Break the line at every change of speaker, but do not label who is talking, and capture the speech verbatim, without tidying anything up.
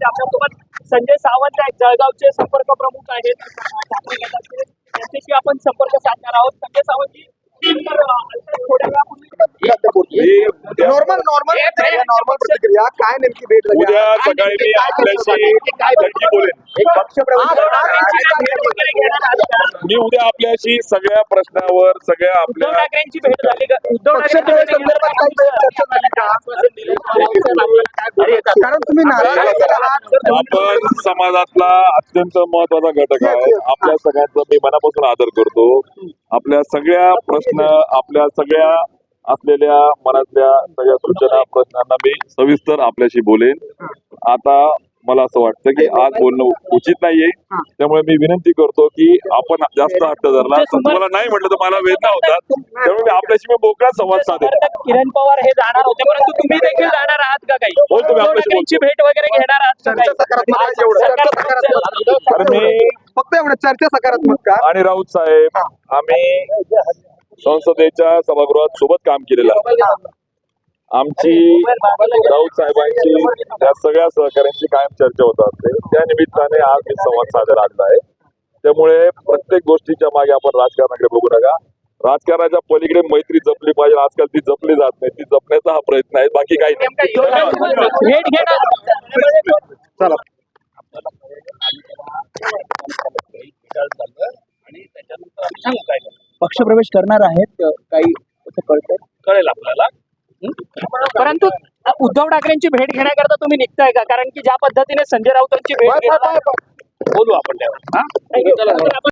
वरती आपल्यासोबत संजय सावंत आहेत, जळगावचे संपर्क प्रमुख आहेत ठाकरे गटाचे, त्यांच्याशी आपण संपर्क साधणार आहोत. संजय सावंतजी, थोड्या वेळापूर्वी
नॉर्मल नॉर्मल नॉर्मल प्रतिक्रिया काय नेमकी भेट झाली?
उद्या सकाळी मी आपल्याशी नक्की बोलेन. मी उद्या आपल्याशी सगळ्या प्रश्नावर सगळ्या
उद्धव
आपल्या
ठाकरेंची भेट झाली का? उद्धव
कारण तुम्ही नाराज
आपण समाजातला अत्यंत महत्वाचा घटक आहे. आपल्या सगळ्यांचा मी मनापासून आदर करतो. आपल्या सगळ्या प्रश्न आपल्या सगळ्या असलेल्या मनातल्या सगळ्या सूचना प्रश्नांना मी सविस्तर आपल्याशी बोलेन. आता मला असं वाटतं की आज बोलणं उचित नाहीये, त्यामुळे मी विनंती करतो की आपण जास्त हट्ट धरला तर तुम्हाला नाही म्हटलं तर मला वेदना होतात, त्यामुळे मी आपल्याशी मी मोकळा संवाद साधेन.
किरण पवार हे जाणार होते, परंतु तुम्ही देखील जाणार आहात का? काही
हो, तुम्ही आपल्याशी
त्यांची भेट वगैरे घेणार आहात का? काही
तर मी
फक्त एवढं चर्चा सकारात्मक का?
आणि राऊत साहेब आम्ही संसदेच्या सभागृहात सोबत काम केलेलं आहे. आमची राऊत साहेबांची या सगळ्या सहकाऱ्यांची कायम चर्चा होत असते. त्या निमित्ताने आज मी संवाद साधायला आणला आहे. त्यामुळे प्रत्येक गोष्टीच्या मागे आपण राजकारणाकडे बघू नका. राजकारणाच्या पलीकडे मैत्री जपली पाहिजे. आजकाल ती जपली जात नाही, ती जपण्याचा हा प्रयत्न आहे, बाकी काही नाही.
भेट घेणार
चला
पक्षप्रवेश करणार आहेत काही असं कळतंय?
कळेल आपल्याला. परंतु उद्धव ठाकरेंची भेट घेण्याकरता तुम्ही निघताय का? कारण की ज्या पद्धतीने संजय राऊतांची भेट घेतला, बोलू आपण त्यावर.